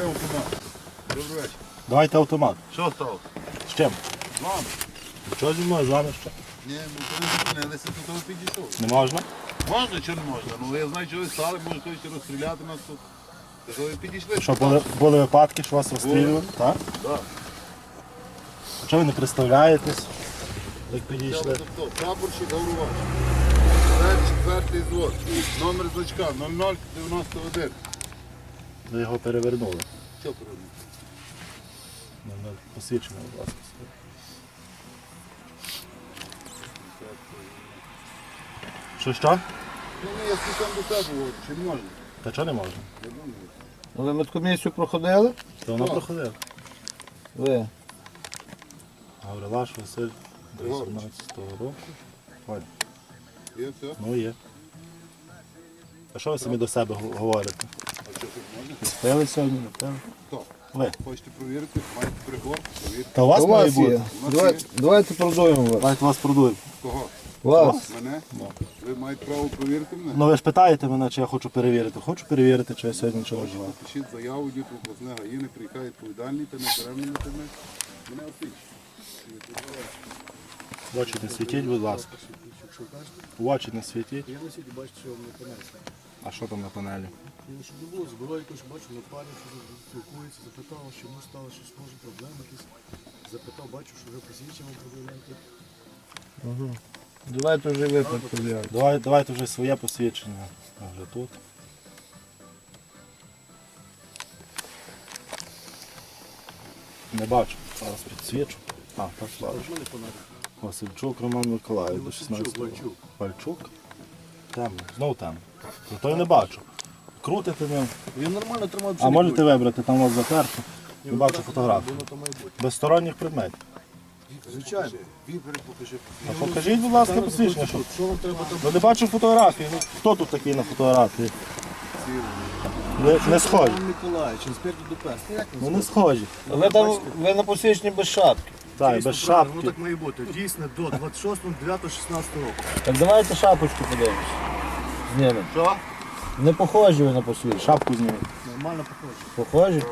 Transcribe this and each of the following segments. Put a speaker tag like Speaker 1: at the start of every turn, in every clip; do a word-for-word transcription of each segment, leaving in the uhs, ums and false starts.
Speaker 1: автомат. Добрий вечір.
Speaker 2: Давайте автомат.
Speaker 1: Що стало?
Speaker 2: З чим?
Speaker 1: З вами?
Speaker 2: Що зі мною, з вами що?
Speaker 1: Ні, ми коли зупинилися, то того підійшов.
Speaker 2: Не можна?
Speaker 1: Можна чи не можна? Ну я знаю, що ви стали, може хтось розстріляти нас тут. Та ви підійшли.
Speaker 2: Що були, були випадки, що вас розстрілювали? Так?
Speaker 1: Так.
Speaker 2: А чого ви не представляєтесь? Як підійшли?
Speaker 1: Прапорщик Гаврувач. Четвертий звод. Номер значка нуль нуль дев'яносто один.
Speaker 2: Ви його перевернули.
Speaker 1: Що поробити?
Speaker 2: Ну, ну, посвідчення, будь ласка. Що, що?
Speaker 1: Ну, ні, я спитав до тебе, говорю, чи не можна?
Speaker 2: Та чого не можна?
Speaker 1: Я думаю.
Speaker 3: Ви медкомісію проходили?
Speaker 2: То воно
Speaker 1: Так.
Speaker 2: проходило.
Speaker 3: Ви.
Speaker 2: Гаврилаш Василь до вісімнадцятого року. Ой,
Speaker 1: Є все?
Speaker 2: ну є. А що ви самі до себе го- говорите?
Speaker 1: А що тут можна?
Speaker 3: Пили сьогодні, не пили?
Speaker 1: Хто?
Speaker 2: Ви.
Speaker 1: Хочете провірити? Маєте прибор? Провірте.
Speaker 2: Та у вас
Speaker 3: У
Speaker 2: має
Speaker 3: вас
Speaker 2: бути.
Speaker 3: є. Давайте, давайте продуємо вас.
Speaker 2: Давайте вас продуємо.
Speaker 1: Кого?
Speaker 3: Вас.
Speaker 1: Мене? Ви маєте право провірити мене?
Speaker 2: Ну ви ж питаєте мене, чи я хочу перевірити. Хочу перевірити, чи я сьогодні нічого не вживав.
Speaker 1: Пишіть заяву, діти обласне гаїни, приїхає відповідальний та не беременна тебе. Мене освічить.
Speaker 2: В очі не світіть, будь ласка. В очі не світіть.
Speaker 4: Я на світі бачу, що вам не понесли.
Speaker 2: А що там на панелі?
Speaker 4: Ну, щоб не було зброї, якось бачу, на парі, що спілкується, запитав, що йому стало щось, може, проблеми якісь. Запитав, бачу, що ви посвідчення проблемки.
Speaker 3: Давайте вже ви підповідаєте.
Speaker 2: Давай, давайте вже своє посвідчення. А вже тут. Не бачу. Зараз підсвічу. А, так бачу.
Speaker 4: Що не понадобно?
Speaker 2: Васильчук Роман Миколаївич, до шістнадцятого.
Speaker 4: Вальчук.
Speaker 2: Вальчук. Темно. Знову темно. Зато я не бачу. Крутите ним.
Speaker 4: Він нормально тримав
Speaker 2: А можете вибрати, там у вас затерто. Не бачу фотографію.
Speaker 4: Воно то має бути.
Speaker 2: Без сторонніх предметів.
Speaker 4: Звичайно.
Speaker 1: Вібери покажи.
Speaker 2: А покажіть, будь ласка, посвідчення. Що...
Speaker 4: Що вам треба там?
Speaker 2: Ну не бачу фотографії. Ну, хто тут такий на фотографії? Не, не схожі.
Speaker 4: Роман Миколаївич, інспектор ДПС. Ну, як
Speaker 2: Ну не схожі.
Speaker 3: Ви там, ви на посвідченні без шапки.
Speaker 2: Так,
Speaker 4: Дійсно,
Speaker 2: без
Speaker 4: правильно, Воно
Speaker 2: шапки.
Speaker 4: так має бути. Дійсно, до двадцять шостого дев'ятого шістнадцятого року.
Speaker 3: Так давайте шапочку подивимось. Знімемо.
Speaker 1: Що?
Speaker 3: Не похожі ви на посвідчення.
Speaker 2: Шапку зніміть.
Speaker 4: Нормально похоже.
Speaker 3: Похожі?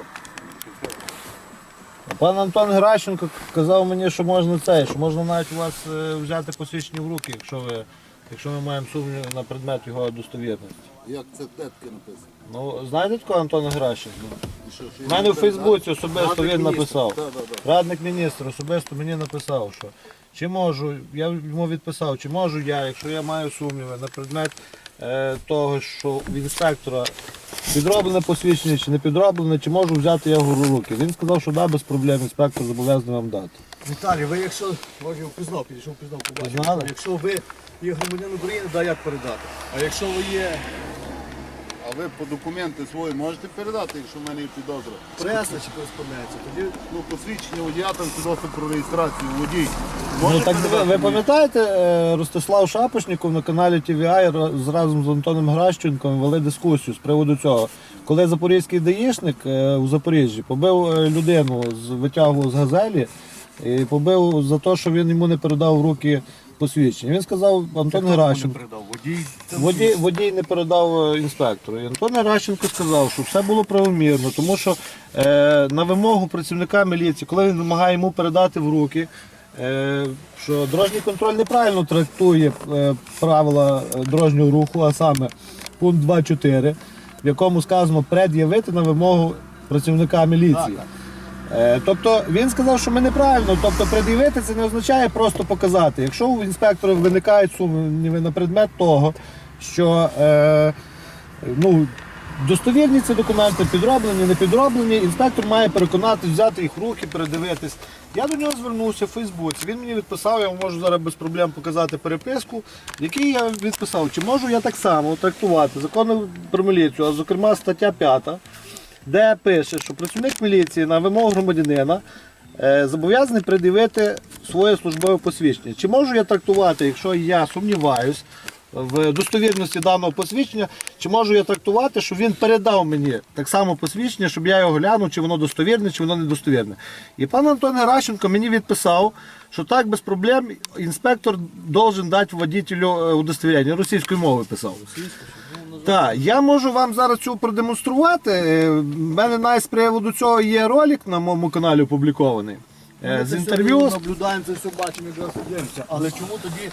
Speaker 3: А пан Антон Гращенко казав мені, що можна це, що можна навіть у вас е, взяти посвідчення в руки, якщо ви, якщо ми маємо сумнів на предмет його достовірності.
Speaker 1: Як це детки написано?
Speaker 3: Ну, знаєте такого Антона Гращенко?
Speaker 1: І що, що
Speaker 3: У мене
Speaker 1: я
Speaker 3: у Фейсбуці особисто
Speaker 1: Радник
Speaker 3: він
Speaker 1: міністра.
Speaker 3: написав.
Speaker 1: Так, так, так.
Speaker 3: Радник міністра особисто мені написав, що чи можу, я йому відписав, чи можу я, якщо я маю сумніви на предмет е, того, що в інспектора підроблене посвідчення чи не підроблене, чи можу взяти я його в руки. Він сказав, що да, без проблем, інспектор зобов'язаний вам дати.
Speaker 4: Віталій, ви якщо, може, впізнав, підійшов, впізнав, побачив.
Speaker 3: Пізнали?
Speaker 4: Якщо ви є громадянин України, да, як передати. А якщо ви є
Speaker 1: А ви по документи свої можете передати, якщо в мене є підозра?
Speaker 4: преса чи кореспонденція, тоді
Speaker 1: Ну, посвідчення водія, там свідоцтво про реєстрацію водій.
Speaker 3: Ну
Speaker 1: Можете
Speaker 3: так ви,
Speaker 1: передати
Speaker 3: ви
Speaker 1: мені?
Speaker 3: пам'ятаєте, е, Ростислав Шапошніков на каналі Ті Ві Ай ра- разом з Антоном Гращенком вели дискусію з приводу цього. Коли запорізький даїшник е, у Запоріжжі побив е, людину, з- витягував з газелі і побив за те, що він йому не передав в руки посвідчення. Він сказав, Антон
Speaker 4: не
Speaker 3: Гращенко,
Speaker 4: передав водій.
Speaker 3: водій, водій не передав е, інспектору. І Антон Гращенко сказав, що все було правомірно, тому що е, на вимогу працівника міліції, коли він вимагає йому передати в руки, е, що дорожній контроль неправильно трактує е, правила е, дорожнього руху, а саме пункт два чотири, в якому сказано пред'явити на вимогу працівника міліції. Е, Тобто він сказав, що ми неправильно, тобто пред'явити це не означає просто показати. Якщо у інспектора виникають сумніви на предмет того, що е, ну, достовірні ці документи, підроблені, не підроблені, інспектор має переконати, взяти їх в руки, передивитись. Я до нього звернувся в Фейсбуці, він мені відписав, я вам можу зараз без проблем показати переписку, в якій я відписав, чи можу я так само трактувати закон про міліцію, а зокрема стаття п'ята, де пише, що працівник міліції на вимогу громадянина е, зобов'язаний пред'явити своє службове посвідчення. Чи можу я трактувати, якщо я сумніваюсь в достовірності даного посвідчення, чи можу я трактувати, що він передав мені так само посвідчення, щоб я його глянув, чи воно достовірне, чи воно недостовірне. І пан Антон Геращенко мені відписав, що так, без проблем, інспектор должен дати водителю удостоверення. Російською мовою писав. Так, я можу вам зараз цю продемонструвати. Е, В мене навіть з приводу цього є ролик на моєму каналі опублікований. Е, З інтерв'ю. з-
Speaker 4: наблюдаємо, це все бачимо, якраз дивимося. Але чому тоді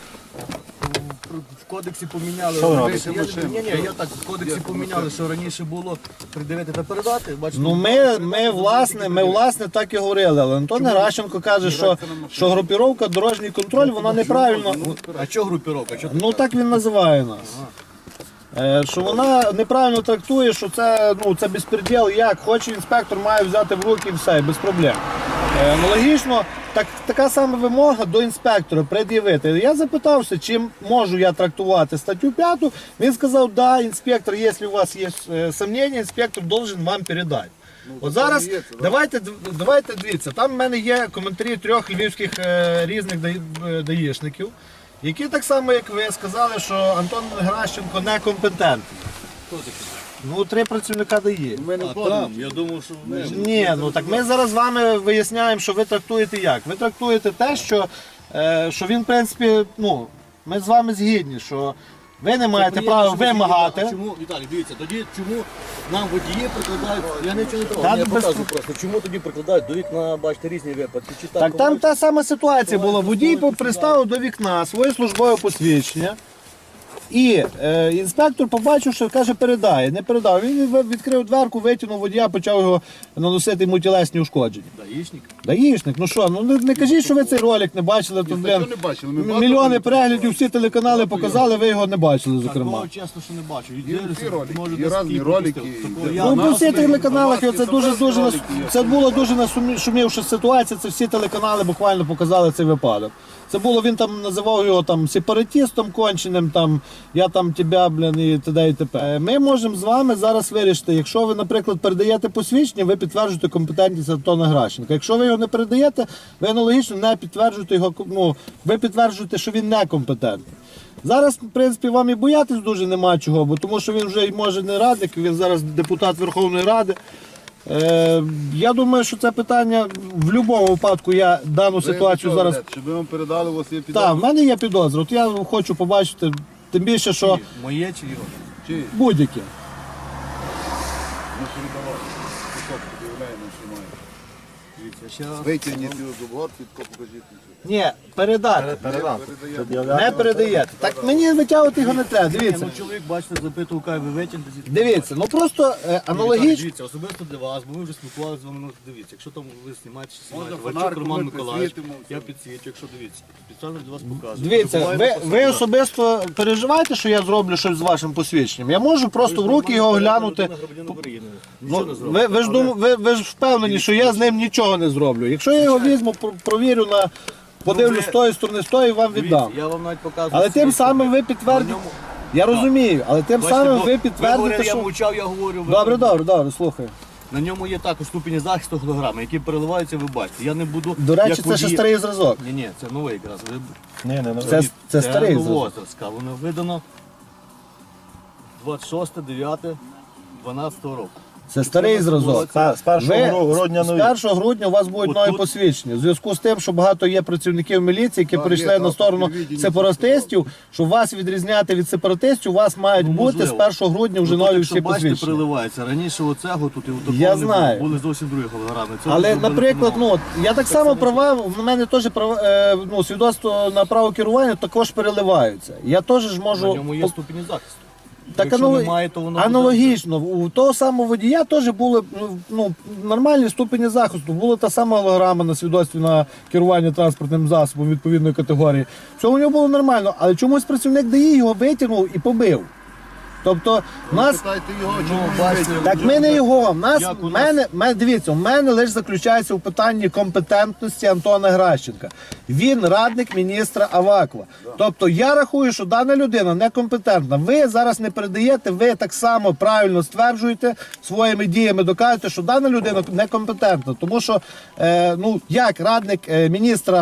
Speaker 4: в- в кодексі поміняли?
Speaker 2: Що ви
Speaker 4: раніше?
Speaker 1: робите?
Speaker 4: Я, ні, ні, я так, в кодексі поміняли, що раніше було придивити та передати. Бачите,
Speaker 3: Ну ми, ми, власне, ми власне так і говорили, але Антон Геращенко каже, що, що групіровка дорожній контроль, вона неправильно.
Speaker 4: А чого групіровка? Чого
Speaker 3: Ну так він називає нас. Е, Що вона неправильно трактує, що це, ну, це безпреділ, як хоче інспектор має взяти в руки і все, без проблем. Е, Аналогічно, так, така сама вимога до інспектора пред'явити. Я запитався, чим можу я трактувати статтю п'яту. Він сказав, да, інспектор, якщо у вас є е, сумнення, інспектор должен вам передати. От зараз
Speaker 1: є це, да?
Speaker 3: давайте, давайте дивіться, там в мене є коментарі трьох львівських е, різних даї- е, даїшників, які так само, як ви, сказали, що Антон Геращенко некомпетентний. Ну, три працівника дає.
Speaker 1: Ми не
Speaker 4: А
Speaker 1: ходимо.
Speaker 4: там, я думав, що не.
Speaker 3: Ні, ну так ми зараз з вами виясняємо, що ви трактуєте як. Ви трактуєте те, що, е, що він, в принципі, ну, ми з вами згідні, що ви не маєте
Speaker 4: Приємно,
Speaker 3: права
Speaker 4: що ви
Speaker 3: вимагати.
Speaker 4: згідні. А чому, Віталій, дивіться, тоді чому нам водії прикладають, я нічого не
Speaker 3: Та
Speaker 4: трогаю, я
Speaker 3: без-
Speaker 4: показую просто, чому тоді прикладають до вікна, бачите, різні випадки. Чи
Speaker 3: Так там
Speaker 4: бувають?
Speaker 3: та сама ситуація була. Водій приставив до вікна своє службове посвідчення. І е, інспектор побачив, що каже, передає. Не передав. Він ви- відкрив дверку, витягнув водія, почав його наносити йому тілесні ушкодження.
Speaker 4: Даїшник.
Speaker 3: Даїшник, ну що, ну не, не кажіть, що ви цей ролик не бачили. Тут,
Speaker 1: статтю
Speaker 3: блін,
Speaker 1: не бачили, ми
Speaker 3: м-
Speaker 1: багато
Speaker 3: мільйони
Speaker 1: роликів
Speaker 3: переглядів, всі телеканали показали, ви його не бачили, зокрема.
Speaker 4: Такого чесно, що не бачу. І
Speaker 1: Є
Speaker 4: дивлюся,
Speaker 1: всі ролики,
Speaker 4: може,
Speaker 1: є
Speaker 4: десь
Speaker 1: різні
Speaker 4: і
Speaker 1: ролики,
Speaker 4: пропустив.
Speaker 1: і
Speaker 4: Такого
Speaker 1: де-
Speaker 4: я-
Speaker 3: Ну,
Speaker 1: на
Speaker 3: по всіх
Speaker 1: нас
Speaker 3: телеканалах
Speaker 1: є,
Speaker 3: це
Speaker 1: на
Speaker 3: дуже
Speaker 1: вас
Speaker 3: дуже
Speaker 1: ролики
Speaker 3: нас-
Speaker 1: є.
Speaker 3: це було дуже нашумівша ситуація. Це всі телеканали буквально показали цей випадок. Це було, він там називав його там сепаратистом конченим, там я там тебе, блін, і т.д. і т.п. Ми можемо з вами зараз вирішити, якщо ви, наприклад, передаєте посвідчення, ви підтверджуєте компетентність Антона Геращенка. Якщо ви його не передаєте, ви аналогічно не підтверджуєте його, ну, ви підтверджуєте, що він некомпетентний. Зараз, в принципі, вам і боятись дуже нема чого, бо тому що він вже й може не радник, він зараз депутат Верховної Ради. Е, я думаю, що це питання в будь-якому випадку я дану
Speaker 1: Ви
Speaker 3: ситуацію
Speaker 1: що
Speaker 3: зараз.
Speaker 1: ведете? Щоб ви вам передали, у вас є
Speaker 3: Так,
Speaker 1: підозра?
Speaker 3: в мене є підозра. От я хочу побачити, тим більше, що
Speaker 4: Моє чи його?
Speaker 1: Чи?
Speaker 3: будь-які.
Speaker 1: Ми передавали. Підкоп подивляємо, що має.
Speaker 4: Дивіться, ще раз.
Speaker 1: Витягніть його з обгор, підкоп покажіть.
Speaker 3: Ні, передати.
Speaker 2: Передам.
Speaker 1: Передаємо.
Speaker 3: Не передаєте. Так мені витягувати його не треба.
Speaker 4: Ні,
Speaker 3: Дивіться.
Speaker 4: ну чоловік, бачите, запитував, кай ви витягнете звідти.
Speaker 3: Дивіться, ну просто е, аналогічно.
Speaker 4: Дивіться, особисто для вас, бо ми вже спілкувалися з вами, ну дивіться, якщо там ви знімаєте чи знімаєте,
Speaker 1: Можна
Speaker 4: Вальчук
Speaker 1: фонариком
Speaker 4: Роман
Speaker 1: ми
Speaker 4: Миколаївич,
Speaker 1: підсвітимо,
Speaker 4: я
Speaker 1: все.
Speaker 4: підсвічу, якщо дивіться, спеціально для вас показую.
Speaker 3: Дивіться,
Speaker 4: Буває
Speaker 3: ви,
Speaker 4: просто
Speaker 3: ви
Speaker 4: так.
Speaker 3: особисто переживаєте, що я зроблю щось з вашим посвідченням. Я можу просто в руки його глянути.
Speaker 4: Громадянин України. Нічого
Speaker 3: Ну,
Speaker 4: не зробить.
Speaker 3: ви, ви, ж дум, ви, ви ж впевнені, що я з ним нічого не зроблю. Якщо я його візьму, про- провірю на подивлю
Speaker 4: ви-
Speaker 3: з тої сторони, з тої вам
Speaker 4: Дивіться,
Speaker 3: віддам.
Speaker 4: я вам навіть показую.
Speaker 3: Але тим
Speaker 4: свідчення.
Speaker 3: самим ви
Speaker 4: На
Speaker 3: підтвердите.
Speaker 4: ньому-
Speaker 3: Я розумію, але тим
Speaker 4: Бачите,
Speaker 3: самим
Speaker 4: бо
Speaker 3: ви
Speaker 4: ви
Speaker 3: підтвердите,
Speaker 4: говорили, я
Speaker 3: що.
Speaker 4: мовчав, я говорю. ви-
Speaker 3: Добре, добре, добре, слухай.
Speaker 4: На ньому є також ступені захисту голограми, які переливаються, ви бачите. Я не буду.
Speaker 3: До речі,
Speaker 4: як
Speaker 3: це ще
Speaker 4: водій-
Speaker 3: старий зразок.
Speaker 4: Ні, ні, це новий якраз. Ви...
Speaker 2: Ні, не, не.
Speaker 3: Це, це старий зразок.
Speaker 4: новозразка. Воно видано двадцять шосте дев'яте дванадцятого року.
Speaker 3: Це старий зразок.
Speaker 2: З першого
Speaker 3: Ви
Speaker 2: гру- грудня
Speaker 3: з
Speaker 2: нові.
Speaker 3: першого грудня у вас будуть
Speaker 4: От
Speaker 3: нові
Speaker 4: тут-
Speaker 3: посвідчення. В зв'язку з тим, що багато є працівників міліції, які
Speaker 1: Так,
Speaker 3: перейшли
Speaker 1: є,
Speaker 3: на
Speaker 1: так,
Speaker 3: сторону
Speaker 1: телевідення
Speaker 3: сепаратистів, що вас відрізняти від сепаратистів, у вас мають
Speaker 4: Ну,
Speaker 3: бути з
Speaker 4: можливо.
Speaker 3: першого грудня вже
Speaker 4: Ну, тут,
Speaker 3: нові
Speaker 4: якщо
Speaker 3: всі
Speaker 4: бачите,
Speaker 3: посвідчення.
Speaker 4: приливається. Раніше оцього тут і у такого
Speaker 3: Я
Speaker 4: не
Speaker 3: знаю.
Speaker 4: було. Були зовсім другі голограми. Це
Speaker 3: Але,
Speaker 4: зробили
Speaker 3: наприклад,
Speaker 4: по-новому.
Speaker 3: ну от, я так само права, в мене теж права, е, ну, свідоцтво на право керування також переливаються. Я теж ж можу.
Speaker 4: На ньому є ступені захисту.
Speaker 3: Так
Speaker 4: Якщо
Speaker 3: анало-
Speaker 4: немає, то воно
Speaker 3: аналогічно, у того самого водія теж були ну, ну, нормальні ступені захисту. Була та сама голограма на свідоцтві на керування транспортним засобом відповідної категорії. Все у нього було нормально, але чомусь працівник ДАІ його витягнув і побив. Тобто, в нас.
Speaker 1: Питайте його, чому
Speaker 4: Ну,
Speaker 1: він
Speaker 4: бачите,
Speaker 1: витягнув.
Speaker 3: Так ми не його. В нас,
Speaker 4: Як у
Speaker 3: в
Speaker 4: нас-
Speaker 3: мене, мене, дивіться, у мене лише заключається в питанні компетентності Антона Геращенка. Він радник міністра Авакова. Тобто я рахую, що дана людина некомпетентна. Ви зараз не передаєте, ви так само правильно стверджуєте, своїми діями доказуєте, що дана людина некомпетентна. Тому що, е, ну, як радник е, міністра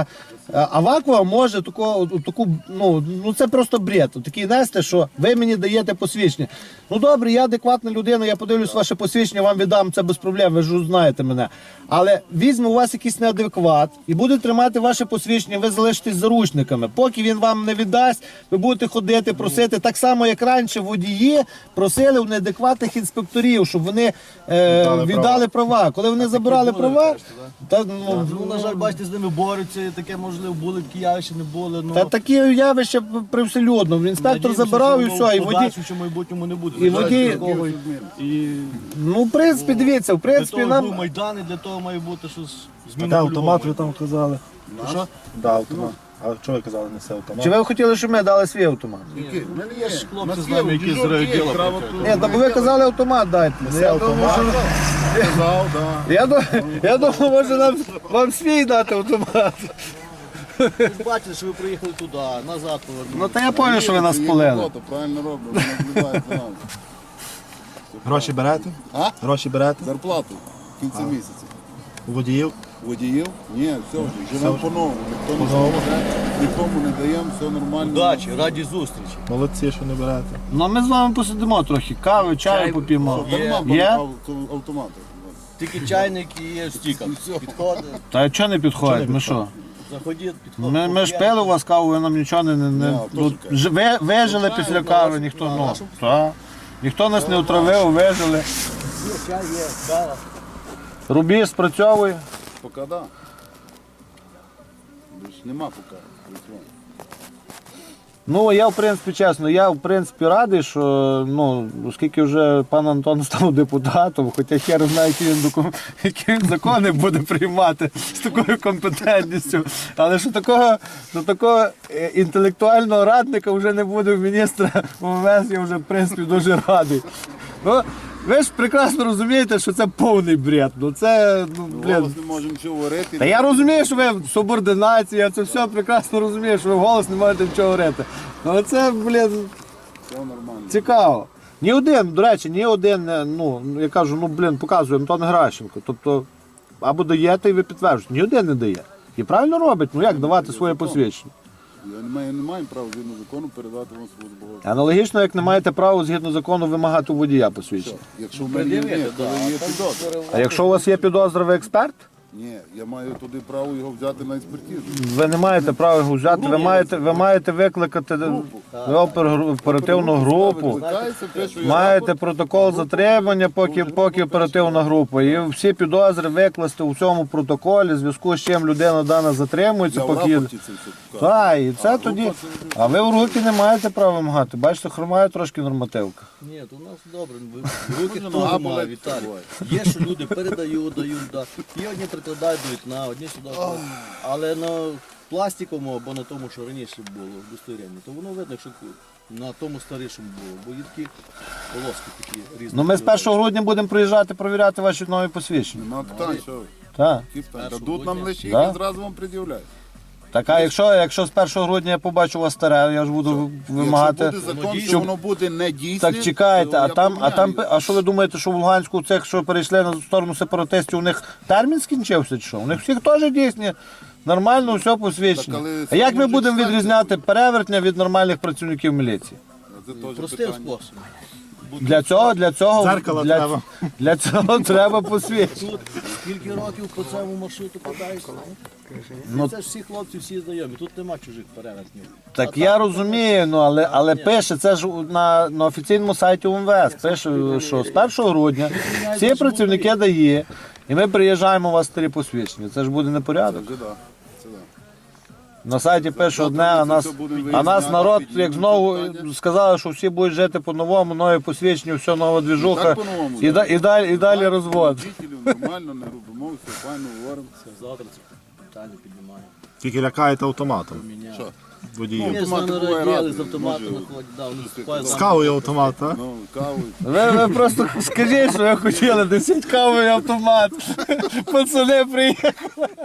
Speaker 3: А Вакуа може таку, таку, ну, ну це просто бред. Такий нести, що ви мені даєте посвідчення. Ну добре, я адекватна людина, я подивлюсь ваше посвідчення, вам віддам це без проблем, ви ж знаєте мене. Але візьме у вас якийсь неадекват і буде тримати ваше посвідчення, ви залишитесь заручниками. Поки він вам не віддасть, ви будете ходити, просити. Так само, як раніше водії просили у неадекватних інспекторів, щоб вони е,
Speaker 2: Віддали
Speaker 3: віддали права. Коли вони забирали права, та, ну,
Speaker 4: Ну, на жаль, бачите, з ними борються, і таке можливо були, такі явища не були. Ну,
Speaker 3: Та такі явища привселюдно. Інспектор
Speaker 4: надіємося,
Speaker 3: забирав і
Speaker 4: що
Speaker 3: все, і
Speaker 4: в
Speaker 3: водій.
Speaker 4: подальшому, в майбутньому не буде.
Speaker 3: І водій-
Speaker 4: такого. І
Speaker 3: Ну, в принципі, дивіться, в
Speaker 4: для
Speaker 3: принципі,
Speaker 4: того
Speaker 3: нам.
Speaker 4: був Майдан, і для того має бути щось
Speaker 2: Та
Speaker 4: змінити.
Speaker 2: автомат ви там казали.
Speaker 4: Що?
Speaker 2: Да, автомат. А що ви казали, несе автомат?
Speaker 3: Чи ви хотіли, щоб ми дали свій автомат?
Speaker 1: Який? У мене
Speaker 4: Є ж хлопці
Speaker 1: На
Speaker 4: з нами,
Speaker 1: схему,
Speaker 4: які з
Speaker 1: діжок є,
Speaker 4: райвідділу
Speaker 1: право
Speaker 4: працюють.
Speaker 1: тут.
Speaker 3: Ні, та ви казали автомат дайте. Я думав,
Speaker 2: автомат.
Speaker 3: може,
Speaker 1: Казав, да.
Speaker 3: я думав, я думав, може нам вам свій дати автомат.
Speaker 4: Ви ж бачите, що ви приїхали туди, назад повернули.
Speaker 3: Ну та я зрозумів, що ви нас
Speaker 1: Їх
Speaker 3: полили.
Speaker 1: робота, правильно роблять, вони наблюдають за нами.
Speaker 2: Гроші берете?
Speaker 1: А?
Speaker 2: Гроші берете?
Speaker 1: Зарплату в кінці місяця.
Speaker 2: У водіїв?
Speaker 1: Водіїв? Ні, все вже, живемо по-новому. Ніхто не
Speaker 2: По-новому?
Speaker 1: скаже, нікому не даємо, все нормально.
Speaker 4: Удачі, раді зустрічі.
Speaker 2: Молодці, що не берете.
Speaker 3: Ну ми з вами посидимо трохи, кави, чаю
Speaker 4: Чай.
Speaker 3: поп'ємо.
Speaker 1: Дарма
Speaker 3: Є?
Speaker 1: авто- автомати.
Speaker 4: Тільки чайник і є стіка. Підходить,
Speaker 3: Та чого не підходить? Ми що?
Speaker 4: заходіть, підходить.
Speaker 3: Ми, ми ж пили у вас каву, ви нам нічого не, не, не
Speaker 1: Ні,
Speaker 3: тут,
Speaker 1: теж
Speaker 3: ж- ви, вижили
Speaker 4: Ну,
Speaker 3: після
Speaker 4: чаю,
Speaker 3: кави,
Speaker 4: на
Speaker 3: ніхто,
Speaker 4: вашому-
Speaker 3: ну,
Speaker 4: на вашому-
Speaker 3: та. Ніхто нас не отравив, вижили.
Speaker 4: Є, чай є, кава.
Speaker 3: Рубіж спрацьовує.
Speaker 1: Поки да. Більш нема поки. працювання.
Speaker 3: Ну, я, в принципі, чесно, я, в принципі, радий, що, ну, оскільки вже пан Антон став депутатом, хоча хер знає, які він, докум... які він закони буде приймати з такою компетентністю, але що такого, що такого е, інтелектуального радника вже не буде в міністра МВС, я вже, в принципі, дуже радий. Ну, ви ж прекрасно розумієте, що це повний бред. Ну, це, ну, блін.
Speaker 1: Голос не можемо нічого говорити.
Speaker 3: Та я розумію, що ви субординація, я це все прекрасно розумію, що ви в голос не можете нічого говорити. Але це, блін,
Speaker 1: Все нормально.
Speaker 3: цікаво. Ні один, до речі, ні один, е, ну, я кажу, ну, блін, показує Антон Гращенко. Тобто, або даєте і ви підтверджуєте. Ні один не дає. І правильно робить, ну як давати своє посвідчення.
Speaker 1: Я не маю, не маю права згідно закону передати вам свого збагачення.
Speaker 3: Аналогічно, як не маєте права згідно закону вимагати у водія посвідчення.
Speaker 1: Якщо в мене є, то є підозра.
Speaker 3: А якщо у вас є підозра, ви експерт?
Speaker 1: Ні, я маю туди право його взяти на експертизу.
Speaker 3: Ви не маєте права його взяти, ви маєте, ви маєте викликати опер- оперативну групу.
Speaker 1: Викликається, пише, я
Speaker 3: Маєте
Speaker 1: рапорт.
Speaker 3: протокол затримання, поки, поки оперативна група. І всі підозри викласти у цьому протоколі, в зв'язку з чим людина дана затримується,
Speaker 1: Я в
Speaker 3: поки.
Speaker 1: рапорті це все покажу.
Speaker 3: Так, і це
Speaker 1: А
Speaker 3: тоді.
Speaker 1: група це вже-
Speaker 3: А ви в руки не маєте права вимагати. Бачите, хромає трошки нормативка.
Speaker 4: Ні, то у нас добре, ви- руки
Speaker 1: Може, нога
Speaker 4: хто має,
Speaker 1: болить,
Speaker 4: Віталій.
Speaker 1: буває.
Speaker 4: Є, що люди передають, дають, да. Є одні прикладають до вікна, одні сюди. Але на пластиковому або на тому, що раніше було, в удостоверенні, то воно видно, що на тому старішому було, бо є такі полоски такі різні.
Speaker 3: Ну ми з першого грудня будемо приїжджати перевіряти ваші нові посвідчення.
Speaker 1: Нема питань, що ви?
Speaker 3: Так.
Speaker 1: Які питання?
Speaker 4: Першого
Speaker 1: Дадуть нам
Speaker 4: грудня.
Speaker 1: лише
Speaker 3: Да.
Speaker 1: і зразу вам пред'являють.
Speaker 3: Так, а якщо, якщо з першого грудня я побачу у вас старе, я ж буду вимагати.
Speaker 1: Якщо буде закон,
Speaker 4: Щоб-
Speaker 1: що воно буде не дійсне,
Speaker 3: Так чекайте,
Speaker 1: то
Speaker 3: а
Speaker 1: я
Speaker 3: там, а там,
Speaker 1: поміняю.
Speaker 3: а що ви думаєте, що в Луганську цих, що перейшли на сторону сепаратистів, у них термін скінчився чи що? У них всіх теж дійсні, нормально все посвідчено.
Speaker 1: Так, але
Speaker 3: А як ми
Speaker 1: можуть
Speaker 3: будемо
Speaker 1: стати.
Speaker 3: відрізняти перевертня від нормальних працівників міліції?
Speaker 1: Це теж
Speaker 4: Простим
Speaker 1: питання.
Speaker 4: способом.
Speaker 3: Для цього, для цього,
Speaker 2: Дзеркало
Speaker 3: для,
Speaker 2: треба.
Speaker 3: для цього треба посвідчення.
Speaker 4: Тут скільки років по цьому маршруту катаєшся?
Speaker 3: Ну,
Speaker 4: Це ж всі хлопці, всі знайомі, тут нема чужих перевертнів.
Speaker 3: Так я розумію, ну але, але пише, це ж на, на офіційному сайті УМВС, пише, що з першого грудня всі працівники дає, і ми приїжджаємо у вас старі посвідчення. Це ж буде
Speaker 1: Це
Speaker 3: непорядок.
Speaker 1: вже да. Це да.
Speaker 3: На сайті пише одне, а нас, а нас народ, як знову сказали, що всі будуть жити по-новому, нові посвідчення, все нова двіжуха,
Speaker 1: Так по-новому,
Speaker 3: і, да- і, далі, і далі
Speaker 1: Так,
Speaker 3: розвод.
Speaker 1: водителів Нормально, не робимо, все файно говоримо.
Speaker 4: Завтра це питання піднімаємо.
Speaker 2: Тільки лякаєте автоматом
Speaker 4: Міняємо.
Speaker 1: Що?
Speaker 2: водіїв.
Speaker 4: Ми з
Speaker 1: автомати
Speaker 4: нами
Speaker 1: буває
Speaker 4: раділи,
Speaker 1: різні,
Speaker 4: з автоматом
Speaker 1: може,
Speaker 4: находять, да, вони вступають
Speaker 2: З кавою автомат, а?
Speaker 1: Ну, каву.
Speaker 3: Ви, ви просто скажіть, що ви хотіли, несіть каву і автомат. Пацани приїхали.